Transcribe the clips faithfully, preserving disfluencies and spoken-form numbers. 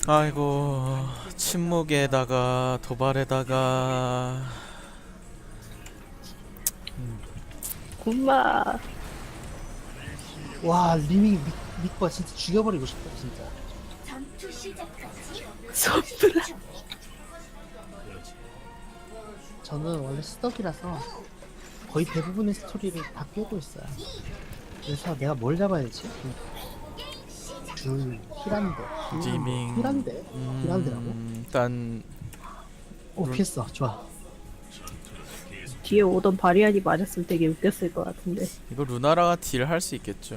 아이고, 침묵에다가 도발에다가. 굿마. 와 리밍 미, 미과 진짜 죽여버리고 싶다 진짜. 솜브라. 저는 원래 스덕이라서 거의 대부분의 스토리를 다 깨고 있어요. 그래서 내가 뭘 잡아야 되지? 줄 힐한데 리밍. 힐한데 힐한데라고? 음, 일단 오 피했어. 좋아. 뒤에 오던 바리안이 맞았으면 되게 웃겼을 것 같은데. 이거 루나라가 딜 할 수 있겠죠?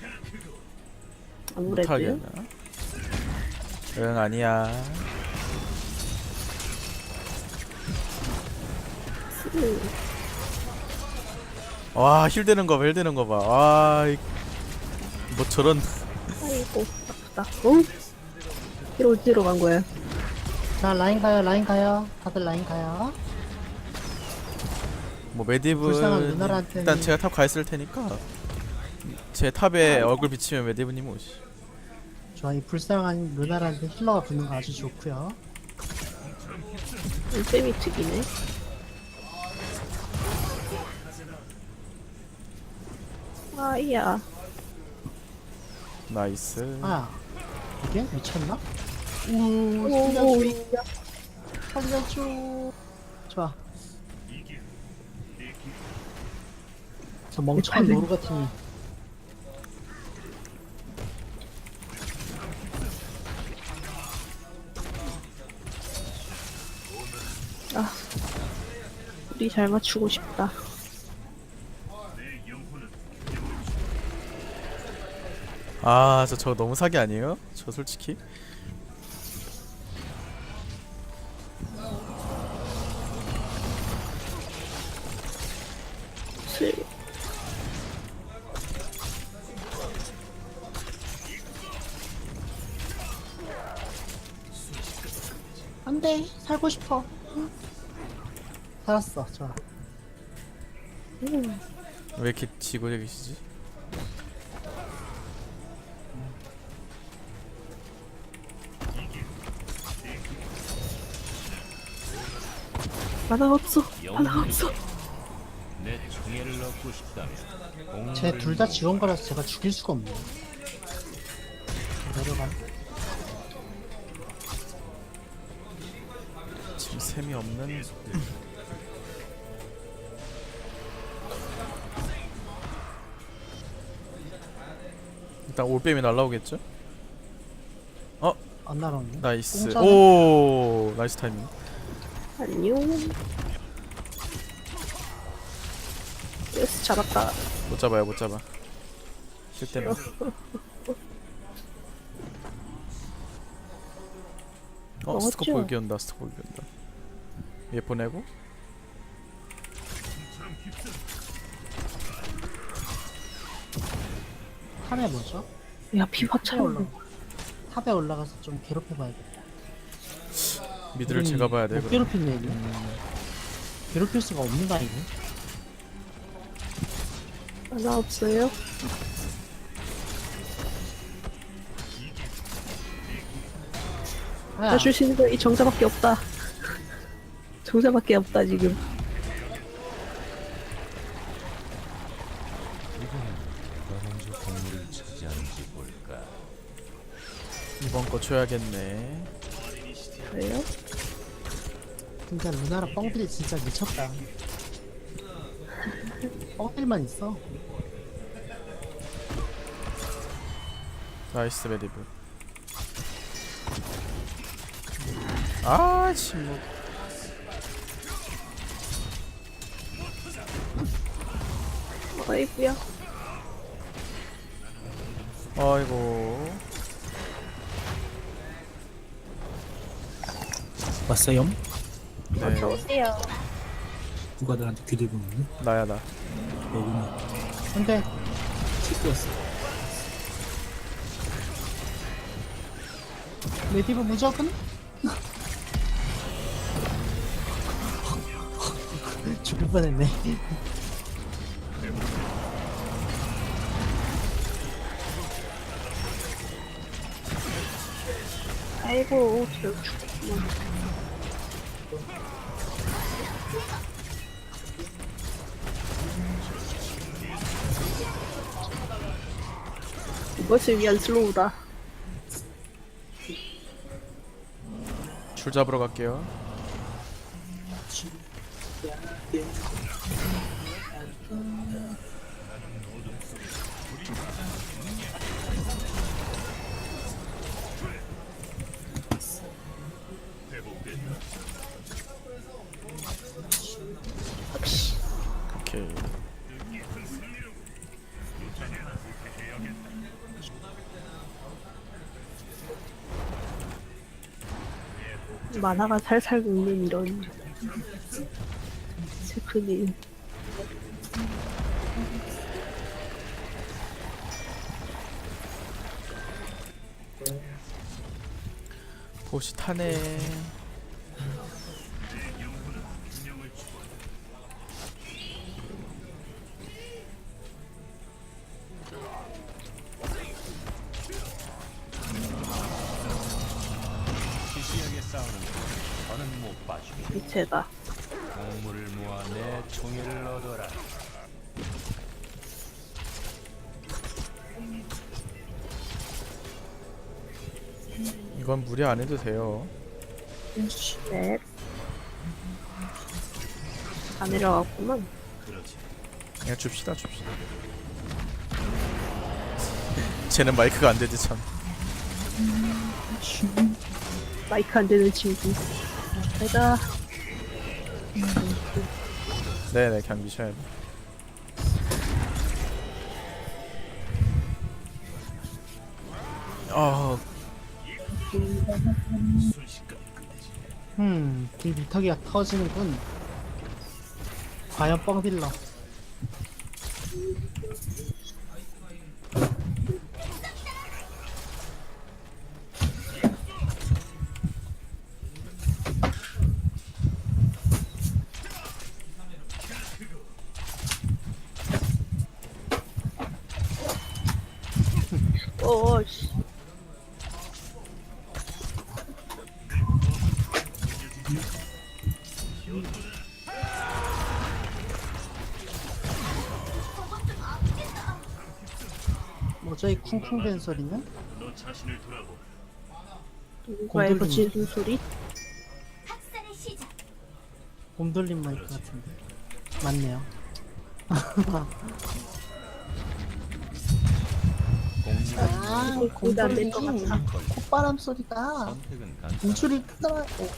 아무래도. 못하겠나? 응, 아니야. 음, 와, 힐 되는 거 봐, 힐 되는 거 봐. 와, 이- 뭐 저런. 아이고 아프다. 어? 이로 어디로 간 거야? 자 라인 가요 라인 가요. 다들 라인 가요. 뭐 메디브 불쌍한 루나라한테는- 일단 제가 탑 가 있을 테니까 제 탑에 얼굴 비치면 메디브님 오시. 좋아. 이 불쌍한 루나라한테 힐러가 붙는 거 아주 좋고요. 쌤이 특이네. 아이야. 나이스. 아 이게 미쳤나? 우 오, 살려줘 살려줘. 좋아. 저 멍청한 노루 같은. 아, 우리 잘 맞추고 싶다. 아, 저 저거 너무 사기 아니에요? 저 솔직히. 슬. 안돼 살고 싶어. 살았어. 좋아. 음, 왜 이렇게 지고 계시지? 하나 없어. 하나 없어. 내 총애를 얻고 싶다면 쟤 둘 다 지원가라서 제가 죽일 수가 없네. 내려가. 지금 셈이 없는. 일단 올빼미 날라오겠죠? 어, 안 날아오네. 나이스. 공짜네. 오, 나이스 타이밍. 안녕. 예스, 잡았다. 못 잡아요, 못 잡아. 실 때문에. 어, 먹었죠? 스코프 여기 온다, 스코프 여기 온다. 얘 보내고. 탑에 뭐죠? 야, 피확 탑에 올라. 차는 탑에 올라가서 좀 괴롭혀봐야겠다. 미드를 음, 제가 봐야 돼. 못 그럼. 괴롭히네 얘는. 음, 괴롭힐 수가 없는 거 아니네. 하나 없어요? 아, 나 줄 수 있는 거 이 정자밖에 없다. 정자밖에 없다 지금. 누가 먼저 동물을 차지하는지 볼까. 이번 거 줘야겠네. 그래요? 진짜 루나라 뻥들이 진짜 미쳤다. 뻥들만 있어. 나이스 메디브. 아, 침묵. 아이구야. 아이고. 왔어요? 네, 어서오세요. 누가 나한테 귀대 보는데? 나야 나. 너구나. 근데 찍혔어. 메디브 무적은? 죽을 뻔했네. 아이고 저 죽구만. 이것을 위한 슬로우다. 줄 잡으러 갈게요. 오케이. 만화가 살살 녹는 이런 슬픈 일. 보시 타네. 시시하게 싸우는 거 저는 못 봐주겠다. 미체다. 공물을 모아 내 총애를 얻어라. 이건 무리 안 해도 돼요. 네. 다 내려갔구만. 그냥 줍시다, 줍시다. 쟤는 마이크가 안 되지 참. 마이크 안 되는 친구. 내가 네네, 그냥 미셔야 돼. 아, 음, 이 미터기가 터지는군. 과연 뻥딜러. 어 씨. 뭐죠 이 쿵쿵대는 소리는? 누가 이거 지는 소리? 곰돌림 마이크 같은데. 맞네요. 아, 거기다 안 될 것 같아. 콧바람 소리가 선택은 간. 인출이 크더라. 어.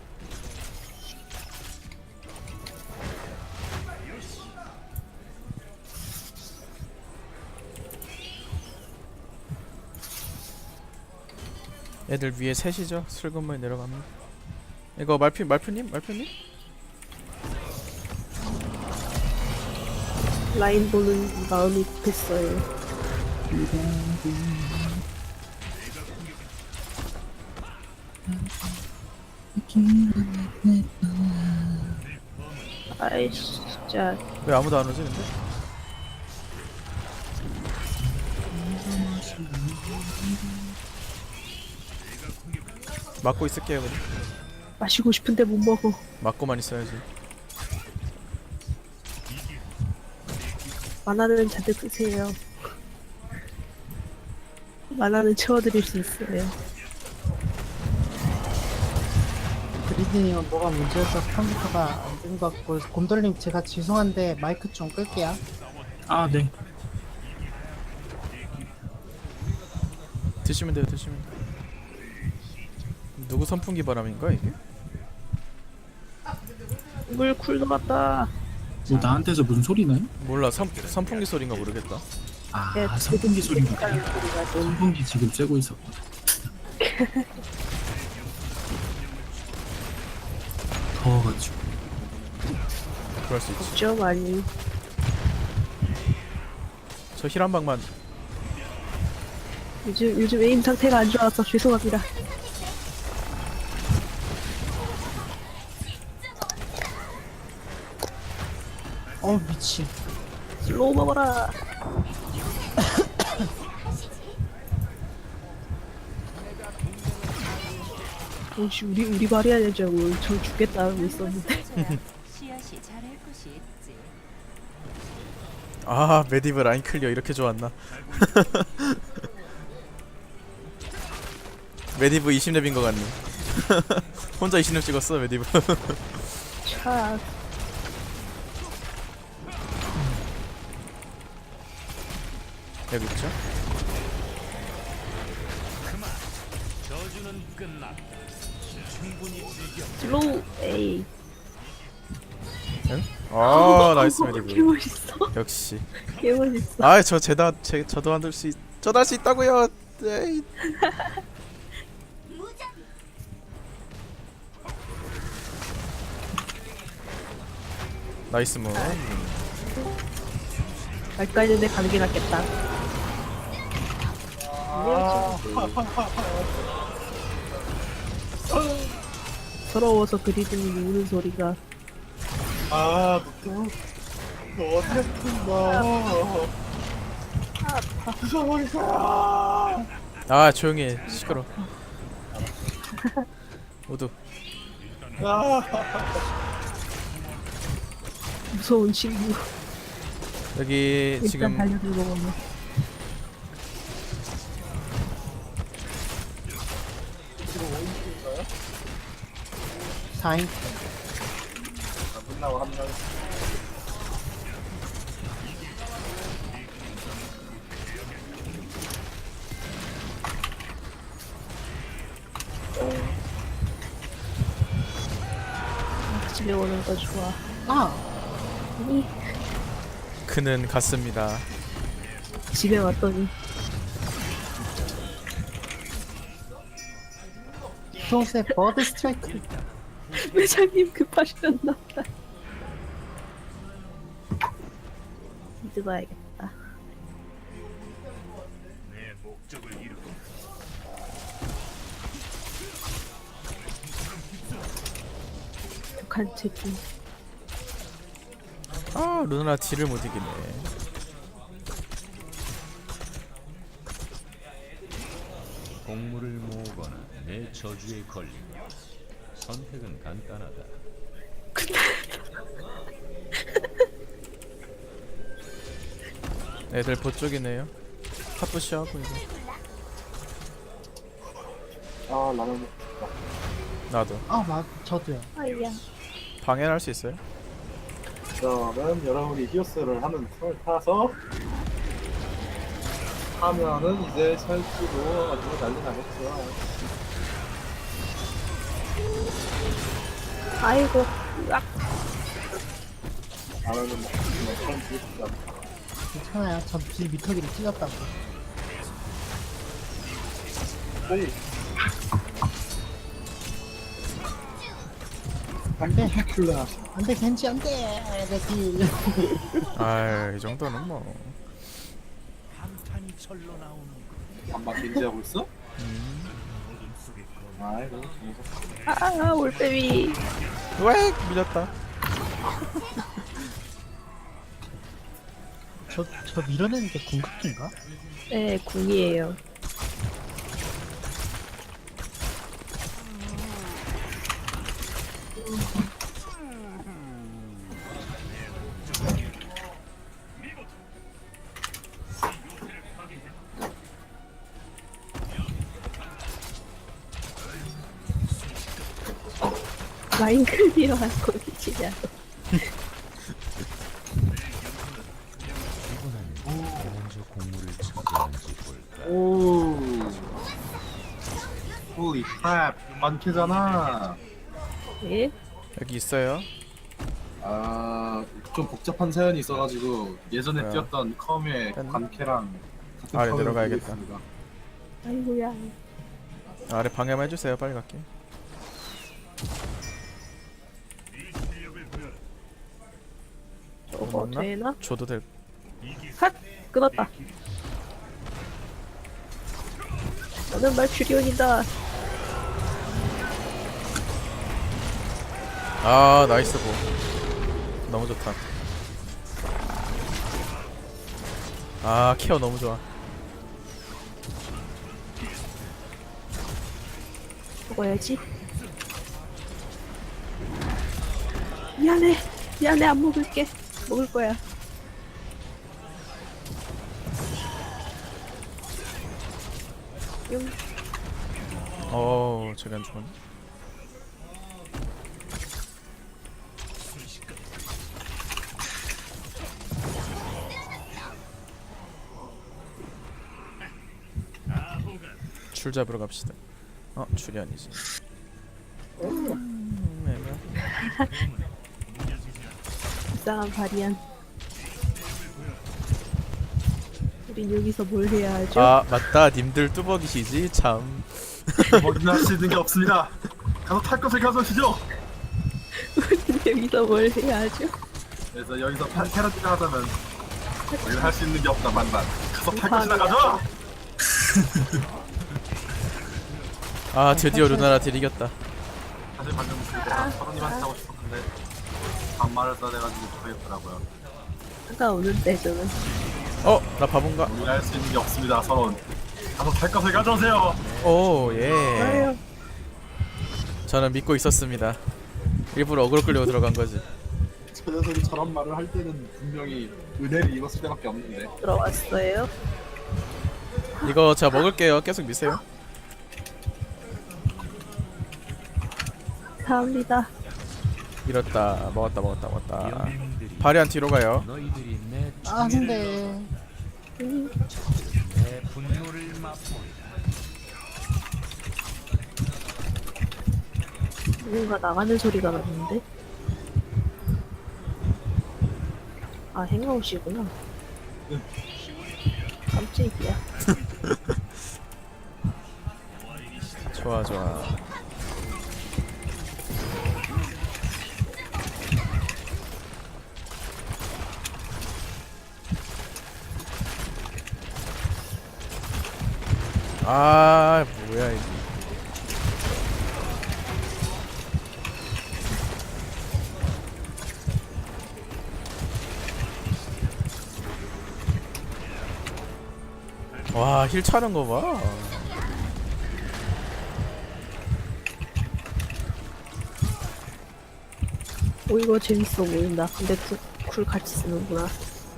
애들 위에 셋이죠. 슬금만 내려갑니다. 이거 말피 말표님, 말표님? 라인 보는 마음이 급했어요. 아이씨 진짜. 왜 아무도 안 오지 근데? 막고 있을게요 그럼. 마시고 싶은데 못 먹어. 막고만 있어야지. 만화는 잔뜩 쓰세요. 만화는 채워드릴 수 있어요. 그리드님은 뭐가 문제여서 컴퓨터가 안 된 것 같고, 곰돌님 제가 죄송한데 마이크 좀 끌게요. 아, 네. 드시면 돼요, 드시면 돼요. 누구 선풍기 바람인가 이게? 물 쿨도 같다. 뭐 나한테서 무슨 소리 나요? 몰라, 선, 선풍기 소리인가 모르겠다. 아, 네, 선풍기 소리인가 보다. 헷갈리는 소리가 좀. 선풍기 지금 쐬고 있었거든. 더워가지고. 그럴 수 있지. 없죠 많이. 저 힐 한 방만. 요즘 요즘 에임 상태가 안 좋아서 죄송합니다. 어 미친. 슬로우 먹어라. 혹시 우리 우리 말이 아니냐고 저 죽겠다 하고 있었는데. 시야시 잘할 곳이 있지. 아 메디브 라인 클리어 이렇게 좋았나. 메디브 이십 렙인 것 같네. 혼자 이십 렙 찍었어 메디브. 차. 여기 있죠? 저주는 끝났다. 충분히 즐겨. 슬로우 에이. 응? 아 나이스 개 메디브. 멋있어. 역시. 개 멋있어. 아저 제다 제 저도 만들 수 있. 저도 할 수 있다고요. 에이. 나이스 무. 갈까 했는데 가는 게 낫겠다. 서러워서 그리드님이 우는 소리가. 아, 너, 너 어땠어? 부숴버리자. 아 조용히 해. 시끄러. 모두. 무서운 친구. 여기 일단 지금 달려들고 보면. 사인 끝나고 한 명. 집에 오는 거 좋아. 아 아니 그는 갔습니다. 집에 왔더니 조세 버드 스트라이크. 회장님 급하셨나 보다. 이제 봐야겠다. 내 목적을 이루고 독한 채팅. 아 루나 딜을 못 이기네. 공물을 모으거나 내 저주에 걸리면 선택은 간단하다. 애들 보쪽이네요. 탑부시하고 이거. 아, 라면. 나도 아맞 저도요. 아이야. 방해를 할 수 있어요? 그러면 여러분이 히오스를 하는 틈을 타서 하면은 이제 설치고 아주 난리 나겠죠. 아이고. 으악. 라면은 뭐 처음 보겠다. 괜찮아요. 전 빌 미터기를 찔렀다고. 안돼 킬라. 안돼 겐지 안돼. 내 빌. 아이 정도는 뭐. 한탄이 절로 나오는 반반 겐지하고 있어? 아이고, 아 올빼미. 왜 밀렸다. 저 저 밀어내는 게 궁극기인가? 네 궁이에요. 라인 클리어 할 거지 진짜. 먼저 공물을 차지하는지 볼까. 오. 홀리 크랩. 많게잖아. 예? 여기 있어요. 아, 좀 복잡한 사연이 있어가지고 예전에 뭐야? 뛰었던 컴의 뺐나? 관캐랑 같은 아래 컴을 내려가야겠다. 보고 있습니다. 아이고야. 아래 방해만 해주세요. 빨리 갈게. 저거 맞나? 되나? 줘도 될. 핫! 끊었다. 나는 말추리온이다. 아 나이스 보. 너무 좋다. 아 케어 너무 좋아. 먹어야지. 미안해 미안해 안 먹을게. 먹을 거야. 용. 어, 저기 안 죽었네. 줄 잡으러 갑시다. 어, 줄이 아니지. 음, 애매하다. 불쌍한 바리안. 우린 여기서 뭘 해야 하죠? 아, 맞다. 님들 뚜벅이시지? 참. 뭐든 할 수 있는 게 없습니다. 가서 탈 것을 가져오시죠. 우린 여기서 뭘 해야 하죠? 그래서 여기서 탈 테라지를 하자면 우리는 할 수 있는 게 없다 만만. 가서 탈 것이나 가져. 아, 드디어 루나라 딜 이겼다. 사실 방금 그거 서른님한테 하고 싶었는데 반말을 써대가지고 못하겠더라고요. 상관없는데 저는. 어, 나 바본가? 우리가 할 수 있는 게 없습니다. 서론. 가서 탈 것을 가져오세요. 오, 예. 아유. 저는 믿고 있었습니다. 일부러 어그로 끌려고 들어간 거지. 저 녀석이 저런 말을 할 때는 분명히 은혜를 입었을 때밖에 없는데. 들어왔어요. 이거 제가 먹을게요. 계속 미세요. 감사합니다. 이렇다. 먹었다, 먹었다, 먹었다. 영웅들이 바리안 뒤로 가요. 너희들이 내 아 근데 음, 내 분노를 맛보리라. 누군가 나가는 소리가 났는데. 아 행아웃이구나. 깜짝이야. 좋아, 좋아. 아, 뭐야 이게. 와, 힐 차는 거 봐. 오 이거 재밌어 보인다. 근데 그, 쿨 같이 쓰는구나.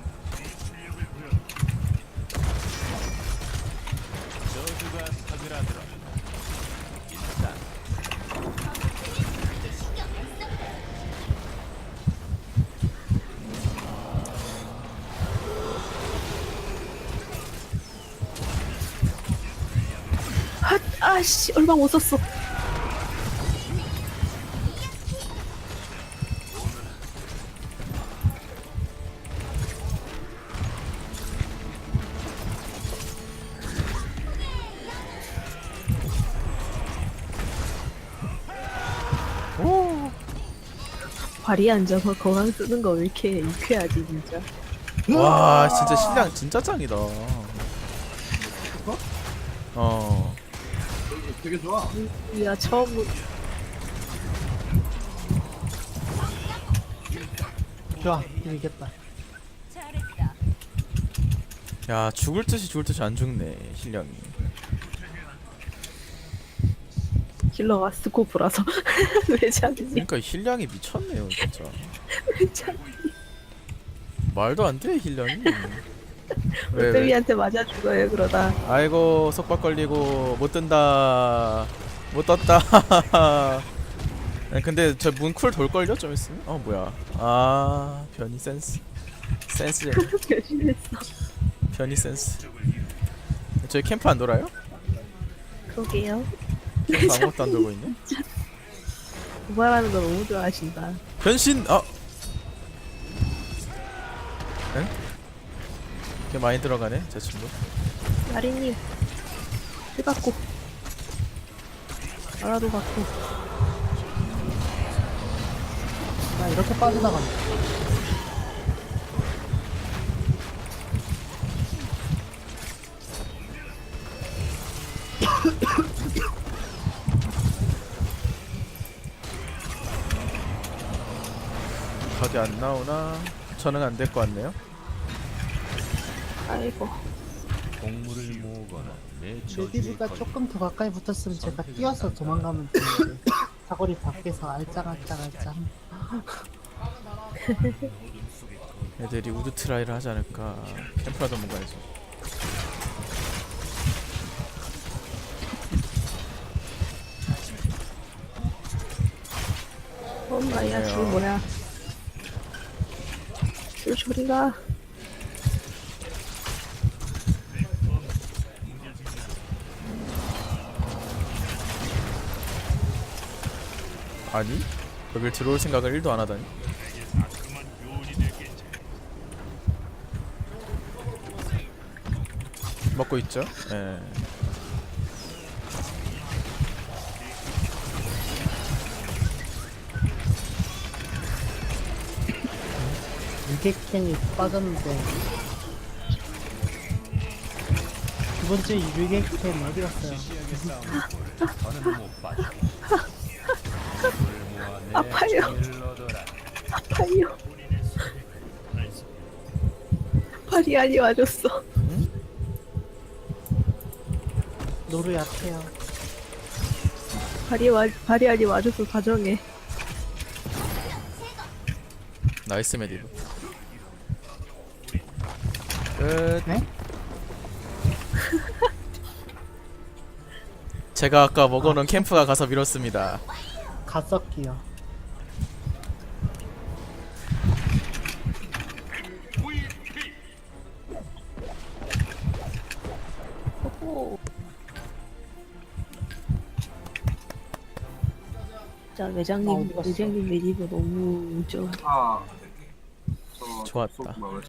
저주가 사그라들어. 일단 핫! 아씨 얼마 못 썼어. 오. 발이 앉아서 거강 쓰는 거 왜 이렇게 유쾌하지 진짜. 와, 진짜 신랑 진짜 짱이다. 어. 되게 좋아. 야 처음 좋아 이기겠다. 잘했다. 야, 죽을 듯이 죽을 듯이 안 죽네, 신령이. 힐러가 스코프라서 왜 잡지? 그러니까 힐량이 미쳤네요, 진짜. 왜 잡지? 말도 안 돼, 힐량이. 왜, 왜? 롯데미한테 맞아 죽어요 그러다. 아이고, 속박 걸리고 못 뜬다. 못 떴다. 근데 저 문 쿨 돌걸요? 좀 있으면? 어, 뭐야. 아, 변이 센스. 센스. 변신했어. 변이 센스. 저희 캠프 안 돌아요? 그러게요. 캠프 아무것도 안 돌고 있네? 도발하는 거 너무 좋아하신다. 변신! 아! 응? 꽤 많이 들어가네, 저 친구. 마리님 힐 받고 알아도 받고. 야 이렇게 빠져나간다. 각이 안 나오나? 저는 안 될 것 같네요. 아이고 동물을 모으거나 내 저주에 레디브가 걸려 조금 더 가까이 붙었으면 제가 뛰어서 도망가면 되는데 사거리 밖에서 알짱알짱알짱. 애들이 우드 트라이를 하지 않을까. 캠프라도 뭔가 해줘. 엄마야, 줄 그래요. 뭐야? 줄 소리가. 아니? 여길 들어올 생각을 일도 안 하다니. 먹고 있죠? 예. 유객캔이 빠졌는데 두 번째 유객캔 어디 갔어요? 더는 못 봐주겠다. 아파요. 일러더라. 아파요. 발이 아니 와줬어. 노루 약해요. 발이 와 발이 아니 와줘서 다정해. 나이스 메디브. 끝. 네? 제가 아까 먹어놓은 캠프가 가서 밀었습니다. 갓섞기요. 진짜 아, 매장님 어디 갔어? 매장님 매니버 너무 좋아. 아, 저 좋았다. 속 먹을